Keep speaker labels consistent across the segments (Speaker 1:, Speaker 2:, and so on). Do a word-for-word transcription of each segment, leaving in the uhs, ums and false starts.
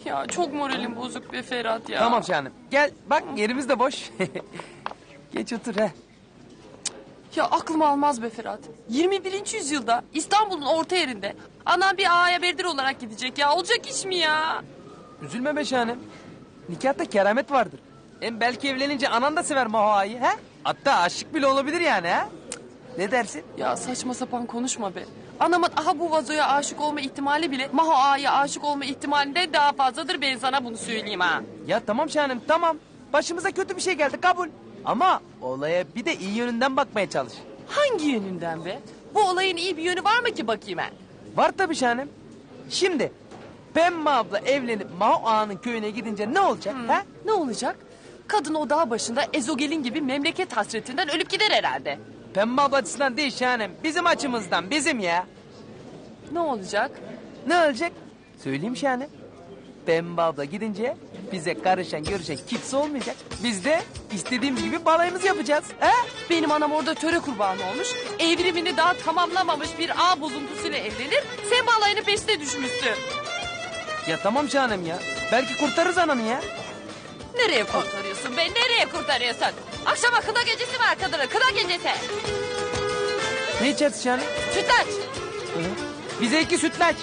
Speaker 1: Ya çok moralim bozuk be Ferhat ya.
Speaker 2: Tamam canım. Gel bak yerimiz de boş. Geç otur he.
Speaker 1: Ya aklım almaz be Ferhat. yirmi birinci yüzyılda İstanbul'un orta yerinde anam bir ağaya berdir olarak gidecek ya. Olacak iş mi ya?
Speaker 2: Üzülme be şahanem. Nikahta keramet vardır. Hem belki evlenince anan da sever Maho ağayı he? Hatta aşık bile olabilir yani ha? Ne dersin?
Speaker 1: Ya saçma sapan konuşma be. Anamın aha bu vazoya aşık olma ihtimali bile Maho ağaya aşık olma ihtimalinden daha fazladır, ben sana bunu söyleyeyim ha.
Speaker 2: Ya tamam şahanem tamam. Başımıza kötü bir şey geldi kabul. Ama olaya bir de iyi yönünden bakmaya çalış.
Speaker 1: Hangi yönünden be? Bu olayın iyi bir yönü var mı ki bakayım ben?
Speaker 2: Var tabii şahanem. Şimdi Pembe abla evlenip Maho ağanın köyüne gidince ne olacak ha?
Speaker 1: Ne olacak? Kadın o dağ başında ezogelin gibi memleket hasretinden ölüp gider herhalde.
Speaker 2: Pembe abla açısından değil şahanem. Bizim açımızdan bizim ya.
Speaker 1: Ne olacak?
Speaker 2: Ne olacak? Söyleyeyim şahanem. Pembe abla gidince bize karışan görüşen kimse olmayacak. Biz de istediğimiz gibi balayımızı yapacağız. He?
Speaker 1: Benim anam orada töre kurbanı olmuş. Evrimini daha tamamlamamış bir ağ bozuntusuyla evlenir. Sen balayını peşine düşmüşsün.
Speaker 2: Ya tamam şahanem ya. Belki kurtarırız ananı ya.
Speaker 1: Nereye kurtarıyorsun be? Nereye kurtarıyorsun? Akşama kına gecesi var kadının. Kına gecesi.
Speaker 2: Ne içersin şahanem?
Speaker 1: Sütlaç.
Speaker 2: Hı hı. Bize iki sütlaç.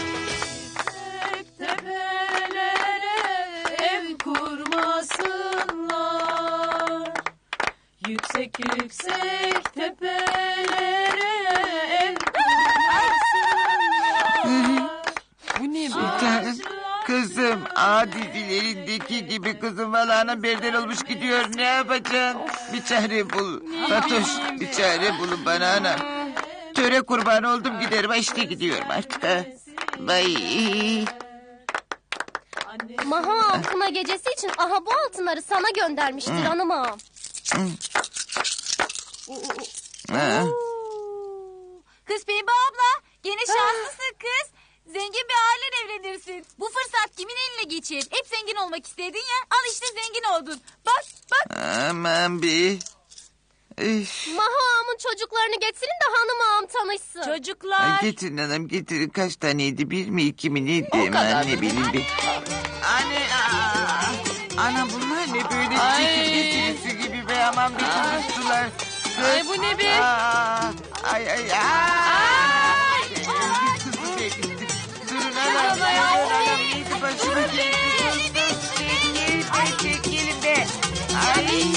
Speaker 3: Ev kurmasınlar, yüksek yüksek tepelere ev kurmasınlar.
Speaker 1: Bu ne be?
Speaker 4: Sultanım, kızım ağa dizilerindeki gibi kızım valağına berder olmuş gidiyor. Ne yapacağım? Bir çare bul. Fatoş bir çare bulun bana ana. Töre kurbanı oldum giderim. Ha, işte gidiyorum artık. Ha. Vay.
Speaker 5: Maho ağam kına gecesi için aha bu altınları sana göndermiştir hanım ağam.
Speaker 4: Ha.
Speaker 3: Kız Pembe abla, gene şanslısın kız. Zengin bir aileyle evlenirsin. Bu fırsat kimin eline geçir? Hep zengin olmak istedin ya. Al işte zengin oldun. Bak bak.
Speaker 4: Aman be. Üf.
Speaker 5: Maho ağamın çocuklarını getirin de hanım ağam tanışsın.
Speaker 3: Çocuklar.
Speaker 4: Ay, getirin hanım getirin. Kaç taneydi? Bir mi iki mi neydi?
Speaker 1: O kadar.
Speaker 4: Aman ne bileyim bir. Anne. Aa. Ana bunlar ne böyle
Speaker 1: Ay.
Speaker 4: çekirge gibi be. Aman bir konuştular.
Speaker 1: Ay bu ne be?
Speaker 4: Aa, ay ay ay.
Speaker 1: Ay.
Speaker 4: Kızım benim. Durun anam. Durun anam. Neydi başıma geldi. Çekil. Çekilin be. Ay.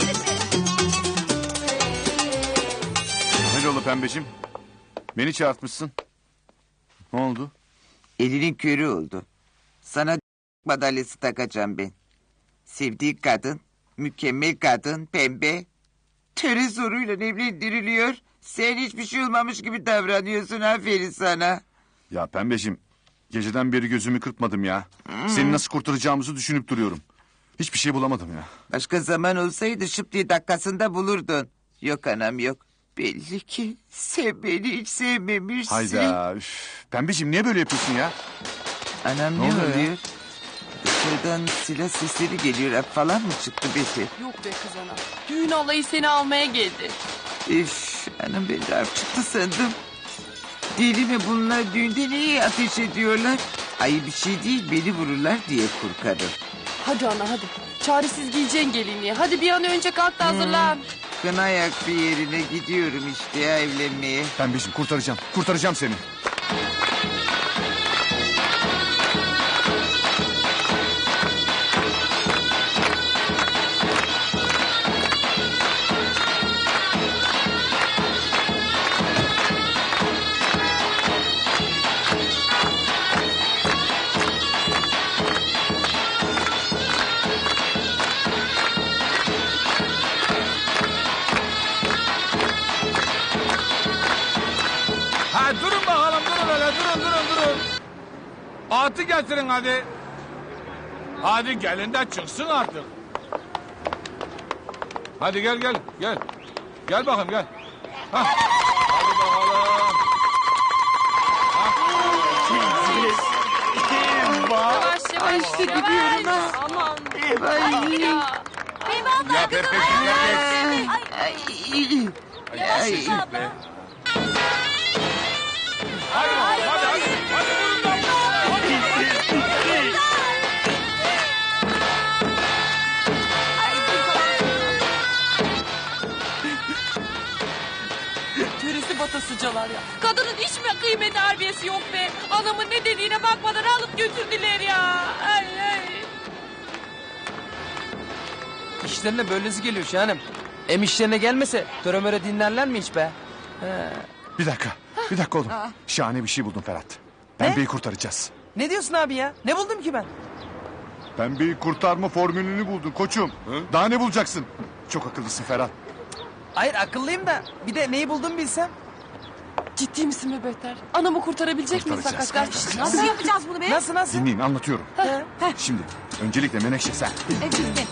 Speaker 6: Hayrola pembeciğim? Beni çağırtmışsın. Ne oldu?
Speaker 4: Elinin körü oldu. Sana madalyası takacağım ben. Sevdiği kadın, mükemmel kadın, pembe. Töre zoruyla evlendiriliyor. Sen hiçbir şey olmamış gibi davranıyorsun. Aferin sana.
Speaker 6: Ya pembeciğim, geceden beri gözümü kırpmadım ya. Seni nasıl kurtaracağımızı düşünüp duruyorum. Hiçbir şey bulamadım ya.
Speaker 4: Başka zaman olsaydı şıp diye dakikasında bulurdun. Yok anam yok. Belli ki sen beni hiç sevmemişsin.
Speaker 6: Hayda. Üf. Pembeciğim niye böyle yapıyorsun ya?
Speaker 4: Anam
Speaker 6: Ne
Speaker 4: ne,
Speaker 6: oluyor ya?
Speaker 4: oluyor? Dışarıdan silah sesleri geliyor. Hap falan mı çıktı Beşir?
Speaker 1: Yok be kız ana. Düğün alayı seni almaya geldi.
Speaker 4: Üf, anam ben de harp çıktı sandım. Deli mi bunlar, düğünde niye ateş ediyorlar? Ay bir şey değil, beni vururlar diye korkarım.
Speaker 1: Hadi ana hadi. Çaresiz giyeceksin gelinliği. Hadi bir an önce kalk da hazırlan.
Speaker 4: Kına ayak bir yerine gidiyorum işte ya evlenmeye.
Speaker 6: Pembeciğim kurtaracağım. Kurtaracağım seni.
Speaker 7: Ha durun bakalım durun öyle durun durun durun. Atı getirin hadi. Hadi gelin de çıksın artık. Hadi gel gel gel. Gel bakayım gel. Hah. Hadi bakalım.
Speaker 1: Yavaş yavaş.
Speaker 4: işte gidiyorum ha.
Speaker 1: Aman.
Speaker 4: Ay,
Speaker 1: Ya.
Speaker 3: Pembe abla.
Speaker 7: Ya Pepe gel gel.
Speaker 4: ay,
Speaker 3: Yavaş
Speaker 4: ay.
Speaker 3: Pembe abla.
Speaker 7: Hadi bakalım hadi hadi. Hadi vurun lan. Hadi.
Speaker 1: yaptılar ya. Kadının hiç mi kıymeti harbiyesi yok be? Anamın ne dediğine bakmadan alıp götürdüler ya. Ay ay.
Speaker 2: İşlerine böylesi geliyor Şahanem. Em işlerine gelmese töremöre dinlerler mi hiç be? He.
Speaker 6: Bir dakika. Bir dakika oğlum. Şahane bir şey buldum Ferhat. Pembeyi kurtaracağız.
Speaker 2: Ne diyorsun abi ya? Ne buldum ki ben?
Speaker 6: Pembeyi kurtarma formülünü buldun koçum. Daha ne bulacaksın? Çok akıllısın Ferhat.
Speaker 2: Hayır akıllıyım da bir de neyi buldum bilsem.
Speaker 1: Ciddi misin be Beter? Anamı kurtarabilecek miyiz
Speaker 6: Kurtaracağız,
Speaker 1: hakikaten?
Speaker 6: kurtaracağız.
Speaker 3: Nasıl yapacağız bunu be?
Speaker 2: Nasıl nasıl?
Speaker 6: Dinleyin anlatıyorum.
Speaker 2: He.
Speaker 6: Şimdi öncelikle Menekşe sen.
Speaker 3: Evet, evet.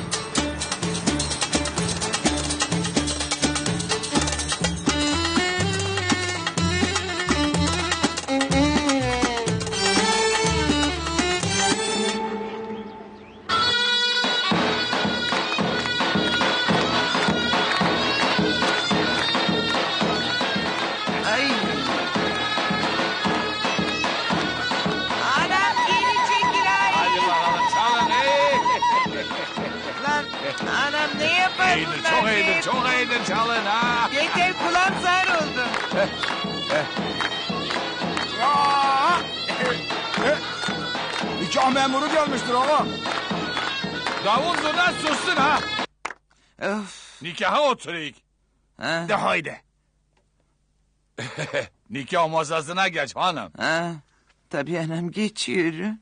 Speaker 4: Ay. Anam geri çekil ay.
Speaker 7: Hadi bakalım çalın. Hey.
Speaker 4: Lan anam ne yapar
Speaker 7: İyidir
Speaker 4: bunlar
Speaker 7: çok
Speaker 4: be?
Speaker 7: iyidir çok iyidir çalın ha.
Speaker 4: Yeter kulağım zar oldu.
Speaker 7: Aa! Nikah memuru gelmiştir ama. Davul zurna sussun ha.
Speaker 4: Of.
Speaker 7: Nikaha oturayım.
Speaker 4: Ha,
Speaker 7: De haydi. Nikah masasına geç hanım.
Speaker 4: ha. Tabii anam geçiyorum.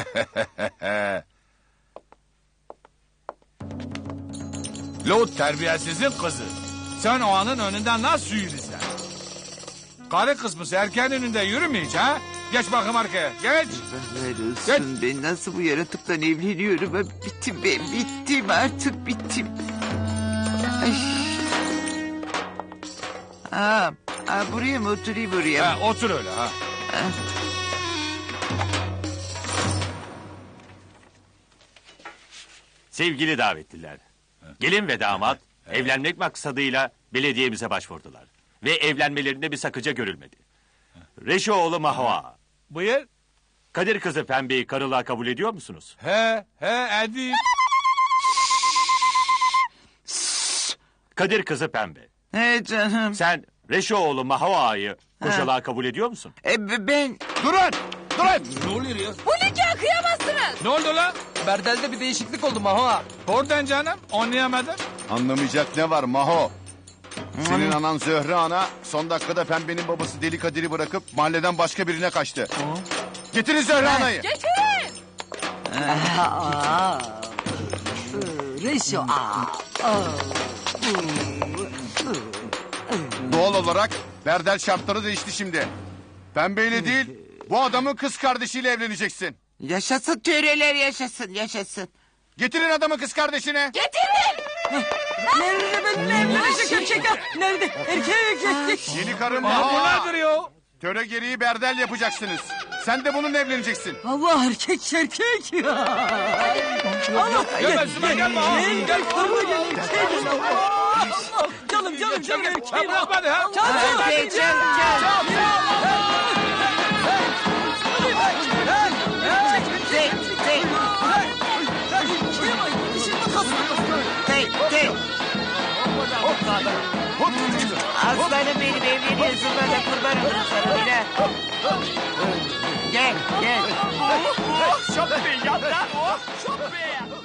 Speaker 7: Lut terbiyesizin kızı. Sen o anın önünden nasıl yürüyorsun? Karı kısmısı erkeğin önünde yürümeyecek ha? Geç bakayım arkaya geç.
Speaker 4: Ver olsun ben nasıl bu yaratıkla evleniyorum. Ha, bittim ben bittim artık bittim. Ay. Ha, ha, buraya mı oturayım buraya mı?
Speaker 7: Ha, otur öyle ha.
Speaker 8: Sevgili davetliler, gelin ve damat evlenmek maksadıyla belediyemize başvurdular. Ve evlenmelerinde bir sakınca görülmedi. Reşoğlu Mahva,
Speaker 7: Buyur.
Speaker 8: Kadir kızı Pembe'yi karılığa kabul ediyor musunuz?
Speaker 7: He he Edip.
Speaker 8: Kadir kızı Pembe,
Speaker 4: He canım.
Speaker 8: sen Reşoğlu Mahva'yı koşalığa kabul ediyor musun?
Speaker 4: E, b- ben
Speaker 7: Durun durun. Ne oluyor ya?
Speaker 1: Bu nikah kıyamazsınız.
Speaker 7: Ne oldu lan?
Speaker 2: Berdel'de bir değişiklik oldu Maho.
Speaker 7: Oradan canım anlayamadım.
Speaker 6: Anlamayacak ne var Maho? Senin anan Zöhre ana son dakikada Pembe'nin babası Deli Kadir'i bırakıp mahalleden başka birine kaçtı. Getirin Zöhre anayı.
Speaker 1: Getirin.
Speaker 9: Reşo.
Speaker 6: Doğal olarak Berdel şartları değişti şimdi. Pembeyle değil bu adamın kız kardeşiyle evleneceksin.
Speaker 4: yaşasın töreler yaşasın yaşasın.
Speaker 6: Getirin adamın kız kardeşini.
Speaker 9: Nerede benim evlenecek erkek? Nerede? Erkek.
Speaker 6: Yeni karın
Speaker 7: Aa, bu
Speaker 6: Maho.
Speaker 7: nedir ya?
Speaker 6: Töre gereği Berdel yapacaksınız. Sen de bununla evleneceksin.
Speaker 9: Allah erkek erkek ya. Allah
Speaker 7: Gel üstüme gelme ha. Gel.
Speaker 9: Canım canım canım erkeğim.
Speaker 7: Sen bırak beni ha.
Speaker 4: Hadi can can. Tek tek tek tek. Aslanım benim evleniyorsun bana kurban olurum sana bile. Gel gel.
Speaker 8: Şop be yap lan o. Şop be.